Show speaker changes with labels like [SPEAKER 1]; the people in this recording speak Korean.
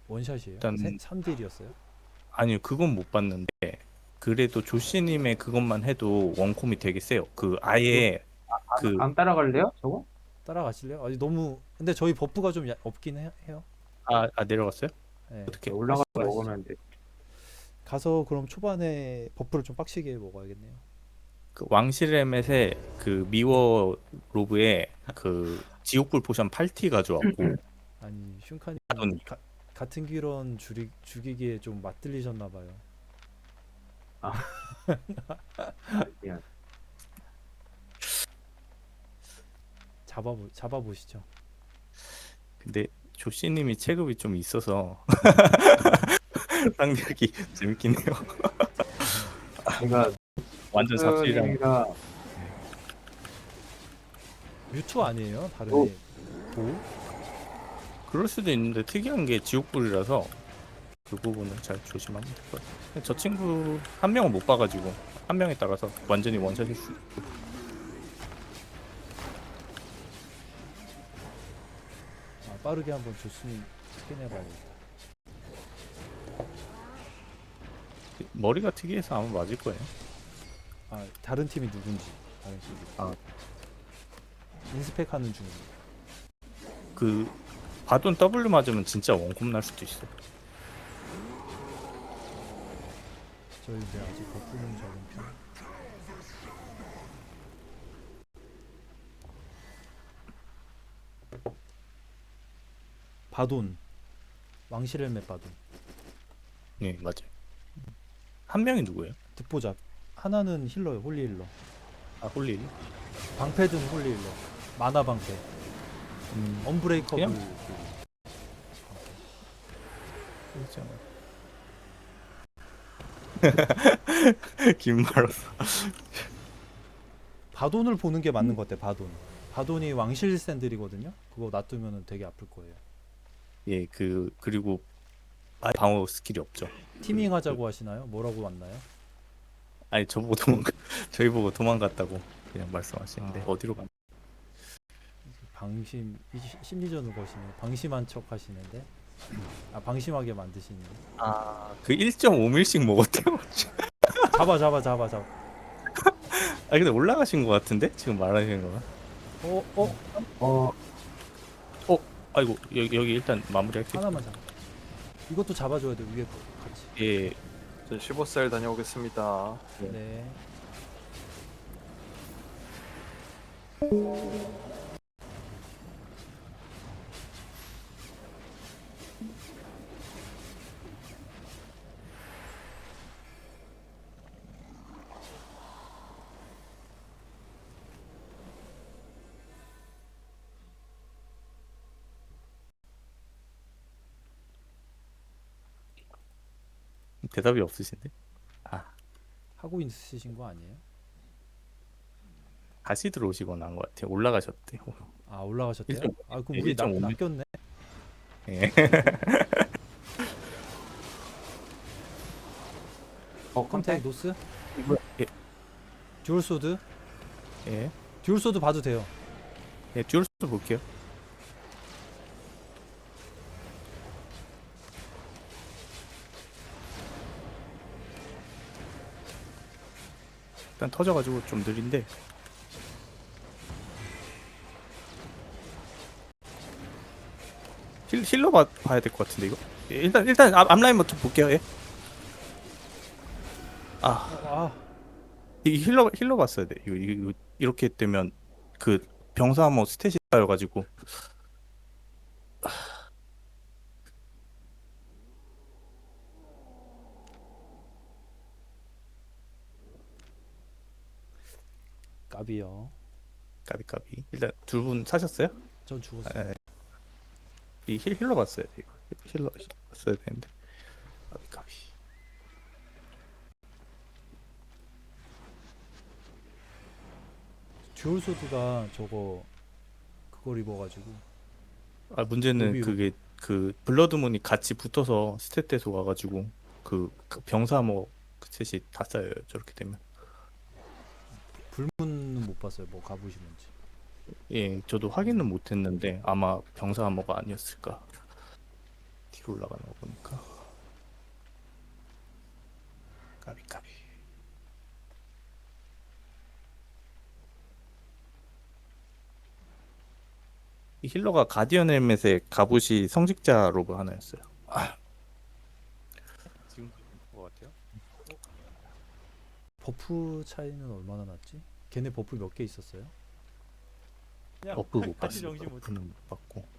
[SPEAKER 1] 원샷이에요?
[SPEAKER 2] 일단
[SPEAKER 1] 3딜이었어요?
[SPEAKER 2] 아니요, 그건 못 봤는데 그래도 조씨님의 그것만 해도 원콤이 되게 세요. 그
[SPEAKER 3] 이거
[SPEAKER 2] 아예 그
[SPEAKER 3] 안 따라갈래요? 저거?
[SPEAKER 1] 따라가실래요? 아니 너무 근데 저희 버프가 좀 없긴 해요.
[SPEAKER 2] 내려갔어요?
[SPEAKER 1] 네.
[SPEAKER 2] 어떻게
[SPEAKER 3] 올라가서
[SPEAKER 2] 말씀하시죠?
[SPEAKER 3] 먹으면 돼.
[SPEAKER 1] 가서 그럼 초반에 버프를 좀 빡시게 먹어야겠네요.
[SPEAKER 2] 그 왕실레멧의 그 미워 로브에 그 지옥불 포션 8티 가져왔고
[SPEAKER 1] 아니 슌카님
[SPEAKER 2] 아돈
[SPEAKER 1] 같은 기런 죽이기에 좀 맛들리셨나 봐요.
[SPEAKER 3] 아, 미안.
[SPEAKER 1] 잡아보시죠.
[SPEAKER 2] 근데 조씨님이 체급이 좀 있어서 상대하기 재밌긴 해요.
[SPEAKER 3] 제가
[SPEAKER 2] 완전 삽질이랑
[SPEAKER 3] 스님이라
[SPEAKER 1] 뮤투 아니에요? 다른
[SPEAKER 3] 어.
[SPEAKER 1] 애 도?
[SPEAKER 2] 그럴 수도 있는데 특이한 게 지옥불이라서 그 부분은 잘 조심하면 될 것 같아요. 저 친구 한 명을 못 봐가지고 한 명에 따라서 완전히 원샷일 수 있고.
[SPEAKER 1] 빠르게 한번 조순이 스캔해봐야겠다.
[SPEAKER 2] 머리가 특이해서 아마 맞을 거예요.
[SPEAKER 1] 다른 팀이 누군지 다른 팀이
[SPEAKER 2] 아.
[SPEAKER 1] 인스펙하는 중입니다.
[SPEAKER 2] 그 바돈 W 맞으면 진짜 원콤 날 수도 있어.
[SPEAKER 1] 저희 이제 아직 버프는 적은 편. 바돈 왕실헬멧 바돈
[SPEAKER 2] 네, 맞아요. 한 명이 누구예요?
[SPEAKER 1] 듣보잡 하나는 힐러요. 홀리 힐러.
[SPEAKER 2] 홀리.
[SPEAKER 1] 방패든 홀리 힐러. 마나 방패. 언브레이커블
[SPEAKER 2] 그냥? 긴 말로서.
[SPEAKER 1] 바돈을 보는 게 맞는 것 같아. 바돈이 왕실 샌들이거든요. 그거 놔두면 되게 아플 거예요.
[SPEAKER 2] 예, 그리고 아예 방어 스킬이 없죠.
[SPEAKER 1] 티밍 하자고 하시나요? 뭐라고 왔나요?
[SPEAKER 2] 아니 저희 보고 도망갔다고 그냥 말씀하시는데 어디로 가?
[SPEAKER 1] 심리전을 거시네. 방심한 척 하시는데. 방심하게 만드시네.
[SPEAKER 2] 그 1.5밀씩 먹었대요.
[SPEAKER 1] 잡아.
[SPEAKER 2] 근데 올라가신 것 같은데 지금 말하시는 거가?
[SPEAKER 3] 어
[SPEAKER 2] 아이고 여기 일단 마무리할게요.
[SPEAKER 1] 하나만 잡아. 이것도 잡아줘야 돼. 위에 거 같이.
[SPEAKER 2] 예,
[SPEAKER 4] 저 15살 다녀오겠습니다.
[SPEAKER 1] 네.
[SPEAKER 2] 대답이 없으신데?
[SPEAKER 1] 하고 있으신 거 아니에요?
[SPEAKER 2] 다시 들어오시거나 한 것 같아요. 올라가셨대요.
[SPEAKER 1] 올라가셨대요?
[SPEAKER 2] 1.5.
[SPEAKER 1] 그럼
[SPEAKER 2] 예,
[SPEAKER 1] 우리
[SPEAKER 2] 1.5.
[SPEAKER 1] 낚였네.
[SPEAKER 2] 예.
[SPEAKER 1] 컨택 노스?
[SPEAKER 2] 예,
[SPEAKER 1] 듀얼소드?
[SPEAKER 2] 예,
[SPEAKER 1] 듀얼소드 봐도 돼요.
[SPEAKER 2] 예, 듀얼스 볼게요. 일단 터져가지고 좀 느린데. 힐러 봐야 될 것 같은데 이거. 예, 일단 앞라인부터 볼게요. 예. 이 힐러 봤어야 돼. 이거 이렇게 되면 그 병사 뭐 스탯이 쌓여가지고.
[SPEAKER 1] 까비요.
[SPEAKER 2] 까비까비. 일단 두 분 사셨어요?
[SPEAKER 1] 전 죽었어요.
[SPEAKER 2] 이 힐러 봤어야 돼. 이거. 힐러 봤어야 되는데. 까비까비.
[SPEAKER 1] 듀얼소드가 그걸 입어가지고
[SPEAKER 2] 문제는
[SPEAKER 1] 로비로.
[SPEAKER 2] 그게 그 블러드문이 같이 붙어서 스탯 와가지고 그 병사 뭐 스탯이 다 쌓여요. 저렇게 되면.
[SPEAKER 1] 불문은 못 봤어요. 뭐 가보시는지.
[SPEAKER 2] 예, 저도 확인은 못했는데 아마 병사 암호가 아니었을까. 버프 올라가는 거 보니까 까비. 이 힐러가 가디언 헬멧에 갑옷이 성직자 로브 하나였어요. 지금 것 같아요?
[SPEAKER 1] 버프 차이는 얼마나 났지? 걔네 버프 몇 개 있었어요?
[SPEAKER 2] 버프 못
[SPEAKER 1] 같이
[SPEAKER 2] 봤어요.
[SPEAKER 1] 정신 못
[SPEAKER 2] 버프는 못 봤고